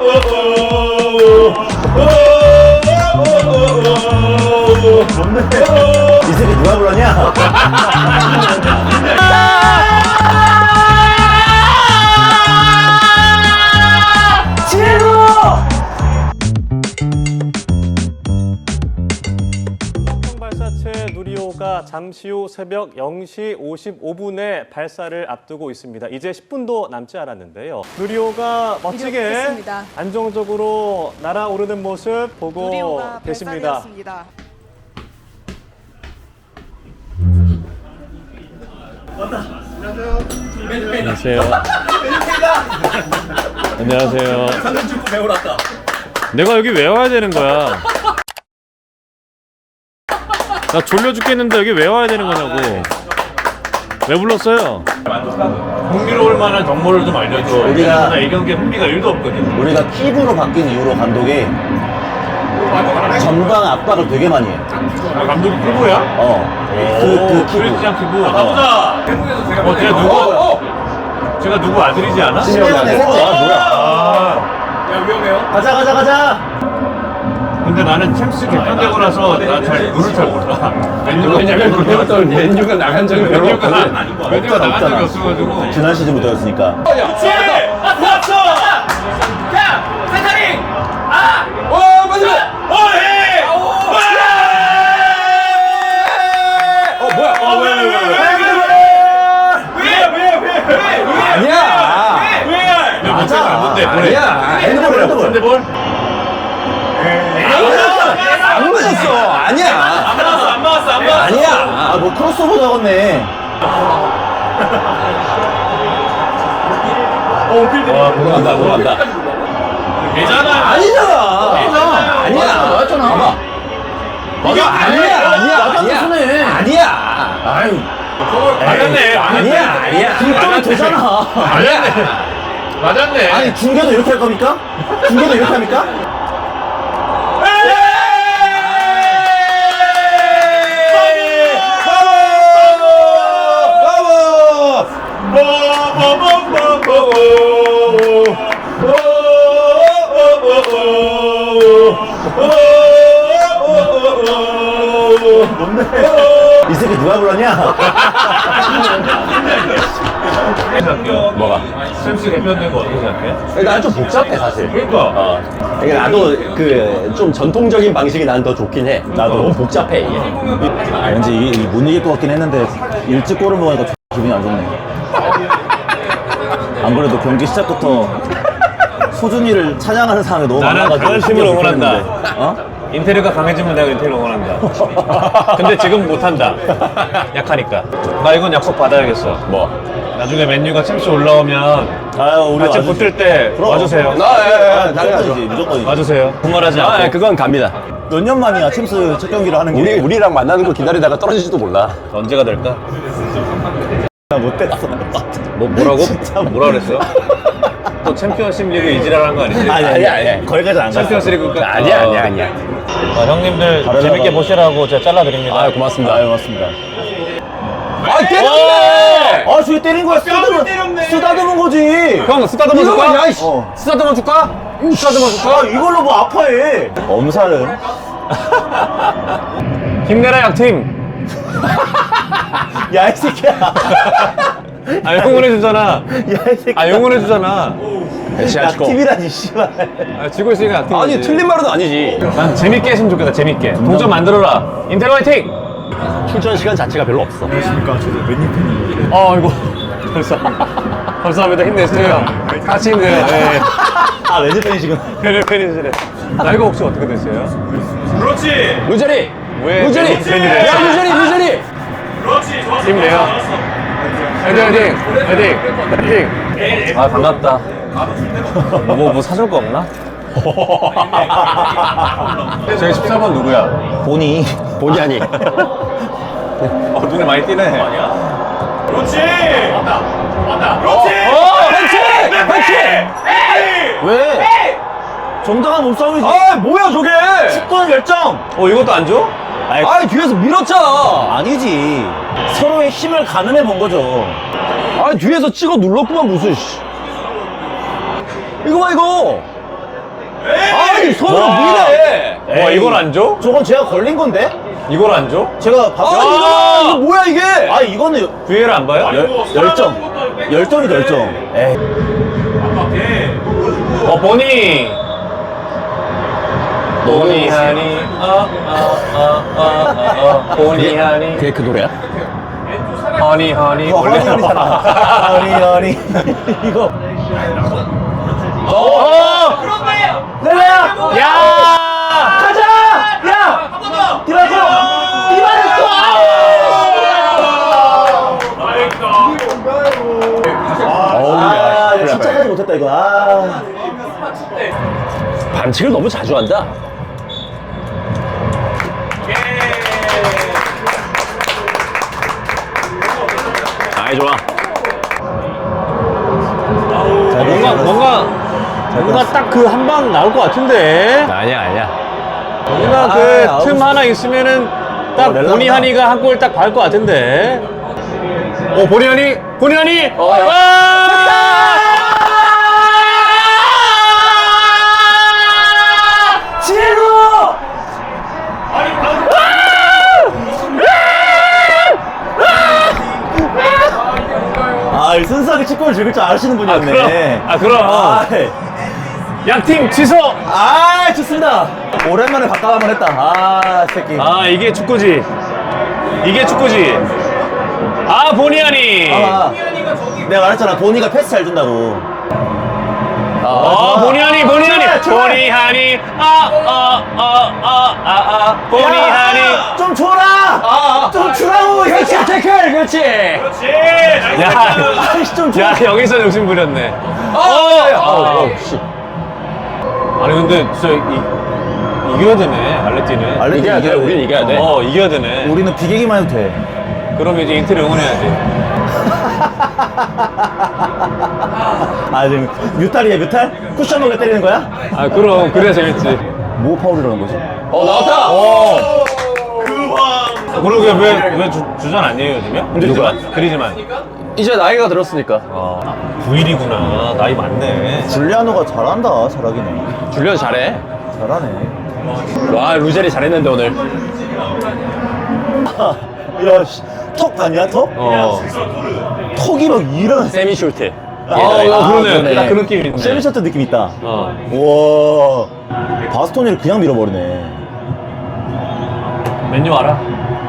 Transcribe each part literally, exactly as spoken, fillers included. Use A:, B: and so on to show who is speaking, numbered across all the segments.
A: 이 새끼 누가 불렀냐?
B: 발사체 누리호가 잠시 후 새벽 영 시 오십오 분에 발사를 앞두고 있습니다. 이제 십 분도 남지 않았는데요. 누리호가 멋지게
C: 이렇겠습니다.
B: 안정적으로 날아오르는 모습 보고
C: 누리호가
B: 계십니다.
C: 발사되었습니다.
B: 안녕하세요. 안녕하세요.
A: 상근축구 배우러 왔다.
B: 내가 여기 왜 와야 되는 거야? 나 졸려 죽겠는데 여기 왜 와야 되는 거냐고. 왜 불렀어요?
D: 흥미로울 만한 정보를 좀 알려줘.
A: 우리가-
D: 나 이 경기에 흥미가 일도 없거든.
A: 우리가 킥으로 바뀐 이후로 감독이 전방 압박을 되게 많이 해.
D: 아, 감독이 피부야?
A: 어. 그, 그 킥으로.
D: 크리스찬 피부. 가보자. 어, 제가 누구? 어, 제가 누구 아들이지 않아?
A: 시메온의 셋째. 아, 뭐야.
D: 아, 야 위험해요.
A: 가자, 가자, 가자.
D: 근데 나는 챔스 개편되고 나서 나잘 룰을 잘 몰라.
E: 왜냐면 그때부터 맨유가 나간 적이 별로
D: 맨유가
E: 없거든.
D: 나- 맨유가 나간 적이 없어가지고.
A: 지난 시즌부터였으니까.
D: 그렇지. 왔어. 야, 세타링. 아,
E: 어, 맞아!
D: 어해.
E: 어, 뭐야?
D: 어, 왜, 왜, 왜, 왜, 왜, 왜, 왜, 왜, 왜, 왜,
E: 아니야!
D: 왜, 왜,
A: 맞아.
D: 뭔데, 뭔데,
E: 아니야!
A: 핸드볼, 핸드볼.
D: 핸드볼?
E: 안 맞았어! 아니야!
D: 안 맞았어, 안 맞았어, 안 맞았어.
E: 아니야!
A: 아, 뭐 크로스오버 잡았네.
D: 어, 필드.
E: 와, 돌아간다, 돌아간다.
D: 되잖아.
E: 아니잖아!
D: 되잖아.
E: 아니야!
A: 맞았잖아.
E: 봐봐.
D: 맞아,
E: 아니야! 아니야!
A: 맞았네, 손에.
E: 아니야! 아니야! 아유.
D: 맞았네.
E: 아니야! 아니야!
A: 뒷점이 되잖아.
D: 맞았네. 맞았네.
A: 아니, 중계도 이렇게 할 겁니까? 중계도 이렇게 합니까? 이 새끼 누가 불렀냐?
E: 뭐가?
D: 챔스 개편된 거 어떻게 생각해?
E: 난 좀 복잡해, 사실.
D: 그러니까.
E: 어. 이게 나도 그 좀 전통적인 방식이 난 더 좋긴 해. 나도 너무 복잡해, 이게.
A: 아, 왠지 이, 이 못 이길 것 같긴 했는데 일찍 골을 먹으니까 기분이 안 좋네. 안 그래도 경기 시작부터 소준이를 찬양하는 사람이 너무
B: 나는
A: 많아가지고
B: 다른 팀을
A: 신경
B: 응원한다.
A: 쓰였는데. 어?
B: 인테리어가 강해지면 내가 인테리어 응원한다. 근데 지금 못한다. 약하니까. 나 이건 약속 받아야겠어.
E: 뭐?
B: 나중에 맨유가 챔스 올라오면
A: 아유 우리
B: 같이
A: 와주-
B: 붙을 때
A: 그럼.
B: 와주세요.
E: 아, 예, 예, 당연하죠.
A: 무조건이지 무조건이지.
B: 와주세요. 분말하지 않고.
E: 아, 예, 그건 갑니다.
A: 몇 년 만이야 챔스 첫 경기를 하는 게.
E: 우리, 우리랑 만나는 거 기다리다가 떨어질지도 몰라.
B: 언제가 될까?
A: 못 됐어.
B: 뭐 뭐라고?
A: 진짜
B: 뭐라 그랬어요? 또 챔피언십 리그 이지랄한 거 아니지?
A: 아니 아니 아니 거기까지 안 갔어.
B: 챔피언스 리그 끝.
E: 아니야, 아니야, 아니야.
B: 아, 형님들
A: 다르다고.
B: 재밌게 보시라고 제가 잘라드립니다.
E: 아, 고맙습니다.
A: 아유 맞습니다.
E: 아, 때렸네!
A: 아 저기 때린 거야. 쓰다듬은 쓰다듬은 거지.
E: 형, 쓰다듬어
A: 이거
E: 줄까?
A: 야, 이씨. 어.
E: 쓰다듬어 줄까? 쓰다듬어 줄까?
A: 아 이걸로 뭐 아파해. 엄살은.
B: 힘내라 약팀.
A: 야 이 새끼야.
B: 아 응원해주잖아.
A: 야 이 새끼야.
B: 아 응원해주잖아.
A: 약팀이라니 씨발.
B: 아, 지고 있으니까 약팀.
E: 아니, 틀린 말은 아니지.
B: 난 재밌게 했으면 좋겠다. 재밌게. 동점 만들어라. 인텔 화이팅.
E: 출전 시간 자체가 별로 없어.
B: 어 이거 벌써 감사합니다. 힘내세요. 같이 힘내요. 네.
A: 아 렌즈 팬이 지금.
B: 팬을 팬이시래. 나이가 혹시 어떻게 되세요?
D: 그렇지.
E: 루저리!
B: 왜
E: 루저리!
B: 팬이- 팬이래요?
E: 야, 루저리, 루저리!
D: 그렇지. 좋았어.
B: 힘내요. 화이팅 화이팅 화이팅 화이팅. 아 반갑다. 뭐 뭐 사줄 거 없나? 저기 십사 번 누구야?
A: 보니.
E: 본의 아니.
B: 어 눈에 많이 띄네.
D: 그렇지. 맞다. 맞다. 그렇지.
E: 반칙! 반칙!
A: 왜? 정당한 몸싸움이지.
E: 아, 뭐야, 저게!
A: 축구는 열정.
B: 어 이것도 안 줘?
E: 아니, 뒤에서 밀었잖아!
A: 아니지. 서로의 힘을 가늠해 본 거죠.
E: 아니, 뒤에서 찍어 눌렀구만, 무슨, 씨. 이거 봐, 이거! 손으로
B: 와.
E: 미네.
B: 와, 이걸 안 줘?
A: 저건 제가 걸린 건데?
B: 이걸 안 줘?
A: 제가
E: 아,
A: 봤어요.
E: 이거, 이거 뭐야 이게?
A: 아, 이거는
B: 브이엘 안 봐요?
A: 열, 열정. 열정이죠, 열정. 에이.
B: 어, 보니. 보니 하니. 아, 아, 아, 아, 아, 아. 보니 하니.
A: 그게 그 노래야?
B: 허니 허니.
A: 어, 허니, 허니잖아. 허니, 허니. 이거.
B: 어!
A: 렐레야!
B: 야!
A: 가자! 야! 디바코! 디바코!
E: 어우,
A: 아,
E: 야,
A: 이거 진짜 하지 못했다, 이거. 아.
E: 반칙을 너무 자주 한다. 아이 좋아.
B: 뭔가 뭔가 뭔가 딱 그 한 방 나올 것 같은데.
E: 아니야 아니야.
B: 뭔가
A: 아,
B: 그
A: 아홉
B: 틈
A: 시.
B: 하나 있으면은 딱
A: 어, 렐라구나.
B: 보니 하니가 한 골 딱 밟을 것 같은데. 오, 보니 하니, 보니 하니.
E: 어, 야.
A: 지루! 아, 이 순수하게 축구를 즐길 줄 아시는
B: 아,
A: 분이었네.
B: 그럼. 아, 그럼.
A: 아,
B: 양팀 취소.
A: 아, 좋습니다. 오랜만에 바꿔 한번 했다. 아, 새끼.
B: 아, 이게 축구지. 이게 축구지. 아, 보니 하니.
A: 아, 내가 말했잖아. 보니가 패스 잘 준다고.
B: 어, 보니 하니, 보니 하니.
A: 좋아.
B: 보니 하니. 아, 아, 아, 아, 아, 아. 보니
A: 야,
B: 하니.
A: 좀 줘라!
B: 아,
A: 좀 주라고! 그렇지, 태클! 그렇지!
B: 야,
A: 아이씨, 좀 줘!
B: 야, 여기서 욕심 부렸네.
A: 어,
B: 어,
A: 어,
E: 씨.
B: 아니 근데 진짜 이, 이겨야 되네 알레티는.
A: 알레티
E: 이겨야 돼. 우린 이겨야 돼.
B: 어 이겨야 되네.
A: 우리는 비기기만 해도 돼.
B: 그럼 이제 인텔 응원해야지.
A: 아, 지금 뮤탈이야, 뮤탈? 쿠션 먹게 때리는 거야?
B: 아 그럼 그래야 재밌지.
A: 뭐 파울이라는 거지?
E: 어 나왔다.
B: 어. 그러게 왜왜 주전 아니에요 요즘에? 그리즈만. 그리즈만.
E: 이제 나이가 들었으니까.
B: 아 구일이구나. 나이 많네.
A: 줄리아노가 잘한다, 잘하긴 해.
E: 줄리언 잘해.
A: 잘하네.
E: 와 루젤이 잘했는데 오늘.
A: 야, 씨. 턱 봤냐, 턱?
B: 어.
A: 턱이 막 이런.
E: 세미 슈트.
B: 아, 어, 그러네.
A: 그러네.
B: 딱 그 느낌 있네.
A: 세미셔트 느낌 있다.
B: 어.
A: 우와. 바스토니를 그냥 밀어버리네.
B: 맨유 알아?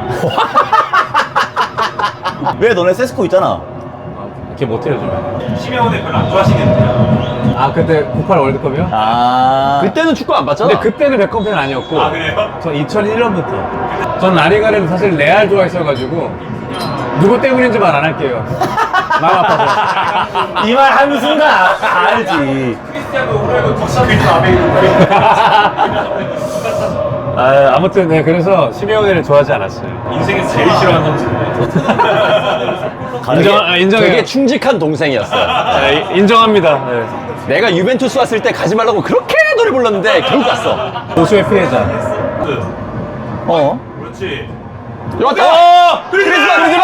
A: 왜 너네 세스코 있잖아?
B: 걔 못해 요즘에.
D: 심혜원에 별로 안 좋아하시겠네요.
B: 아 그때 구십팔 월드컵이요?
A: 아.
E: 그때는 축구 안 봤잖아.
B: 근데 그때는 백컴팬 아니었고.
D: 아, 그래요?
B: 전 이천일 년부터. 전 라리가를 사실 레알 좋아했어가지고 누구 때문인지 말 안 할게요. 마음 아파서.
A: 이 말 하는 순간 아, 알지.
D: 크리스티아노 호날두 덕시크리스 앞에 있는 거예요.
B: 아, 아무튼 네 그래서 시메오네를 좋아하지 않았어요.
D: 인생에서 제일 싫어하는 선수인데.
B: 인정, 아, 인정해요.
E: 되게 충직한 동생이었어.
B: 네, 인정합니다. 네.
E: 내가 유벤투스 왔을 때 가지 말라고 그렇게 노래 불렀는데 결국 갔어.
B: 보수의 피해자.
A: 어?
D: 그렇지.
E: 왔다.
B: 어!
E: 크리스만 크리스만.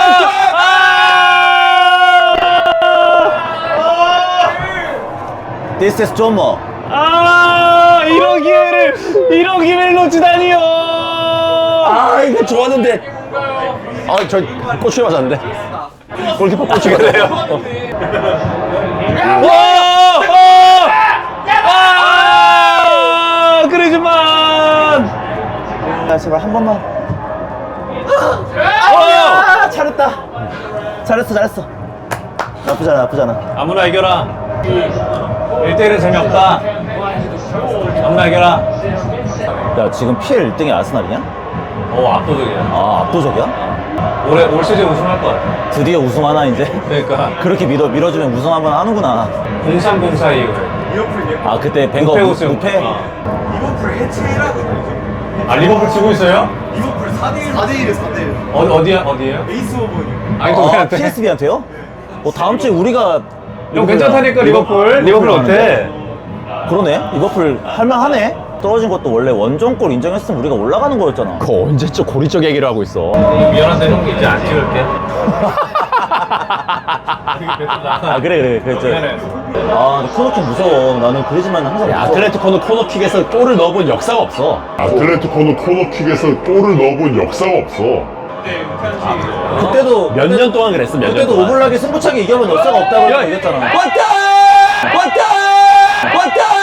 A: This is Jomo.
B: 아, 이런 기회를 이런 기회를 놓치다니요.
E: 아 이거 좋았는데. 아저 꼬추에 맞았는데. 골키퍼 꼬추가 돼요.
B: 와! 아! 그러지만.
A: 야, 제발 한 번만.
B: 어!
A: 아, 잘했다. 잘했어, 잘했어. 나쁘지 않아, 나쁘지 않아.
B: 아무나 이겨라. 일 대 일은 재미없다. 아무나 이겨라.
A: 야, 지금 피엘 일 등이 아스날이냐?
B: 오, 압도적이야.
A: 아, 압도적이야?
B: 올해 올 시즌 우승할 것 같아.
A: 드디어 우승하나, 이제?
B: 그러니까
A: 그렇게 밀어, 밀어주면 우승 한번 하는구나.
B: 공삼공사 이후.
A: 아, 그때 벵거
B: 무패 우승.
A: 무패?
B: 어.
D: 리버풀 해체라고.
B: 아 리버풀 치고 있어요?
D: 리버풀 사 대 일. 사 대 일에 사 대 일.
B: 어디 어디야 어디에요?
D: 베이스 오브.
B: 아니
A: 아,
B: 누구한테?
A: 피에스비한테요? 어, 다음 주에 우리가.
B: 형 괜찮다니까 리버풀. 리버풀 어때?
A: 그러네? 리버풀 할만하네? 떨어진 것도 원래 원정골 인정했으면 우리가 올라가는 거였잖아.
E: 그 언제적 고리적 얘기를 하고 있어.
B: 미안한데 형 이제 안 찍을게.
A: 아, 그래, 그래. 그래.
B: 미안해.
A: 아, 근데 코너킥 무서워. 나는 그리지만 항상 무서워.
E: 아틀레티코는 코너킥에서 골을 넣어본 역사가 없어.
C: 아틀레티코는 코너킥에서 골을 넣어본 역사가 없어.
A: 그때도
E: 몇 년 동안 그랬어, 몇 년
A: 그때도
E: 동안.
A: 오블락이 승부차기 이겨본 역사가 없다고 얘기했잖아.
E: 왔다! 왔다! 왔다!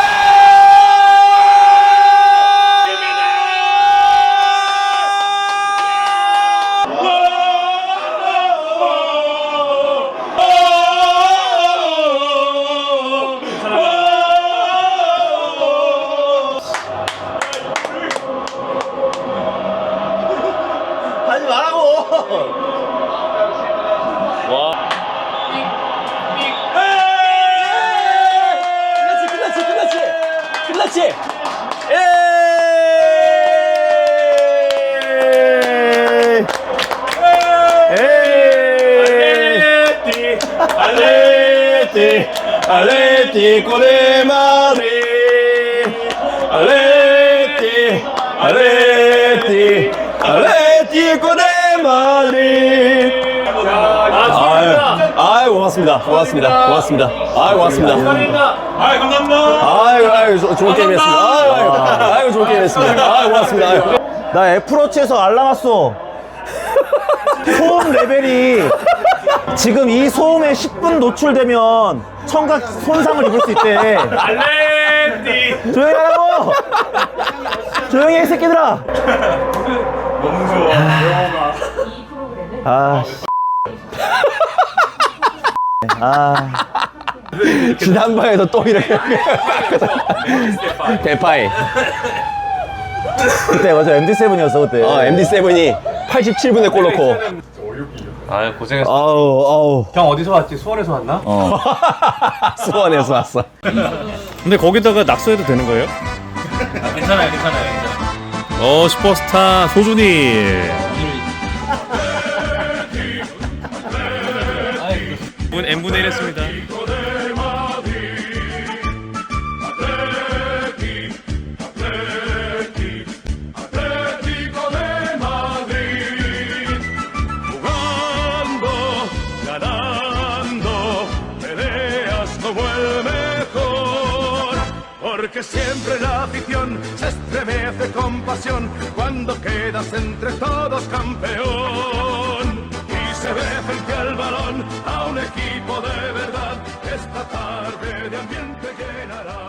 A: 하지 말라고.
E: 끝났지, 끝났지, 끝났지, 끝났지.
D: 알레티
E: 알레티코 데 마드리드, 알레티, 알레티, 알레티코 데 마드리드. 아유, 아유, 고맙습니다. 고맙습니다. 고맙습니다. 아유, 고맙습니다.
D: 아이 감사합니다.
E: 아유, 아유, 조- 좋은 게임 했습니다. 아유, 아유, 아유, 좋은 게임 했습니다. 아유, 고맙습니다. 아유.
A: 나 애플워치에서 알람 왔어. 소음 레벨이 지금 이 소음에 십 분 노출되면 청각 손상을 입을 수 있대.
D: 알레티.
A: 조용히 하라고. 조용히 해, 이 새끼들아.
D: 너무 좋아.
A: 아, 씨. 아,
E: 지난번에도 또 이렇게. 대파이.
A: 그때 맞아 엠디 세븐이었어 그때.
E: 어, 엠디 세븐이 팔십칠 분에 골 넣고.
D: 아 고생했어.
E: 아우, 아우.
D: 형 어디서 왔지? 수원에서 왔나?
A: 어.
E: 수원에서 왔어.
B: 근데 거기다가 낙서해도 되는 거예요?
D: 아, 괜찮아요, 괜찮아요, 괜찮아요.
B: 어, 슈퍼스타 소준이. 분 n분의 일 했습니다.
F: Porque siempre la afición se estremece con pasión cuando quedas entre todos campeón y se ve frente al balón a un equipo de verdad. Esta tarde de ambiente llenará.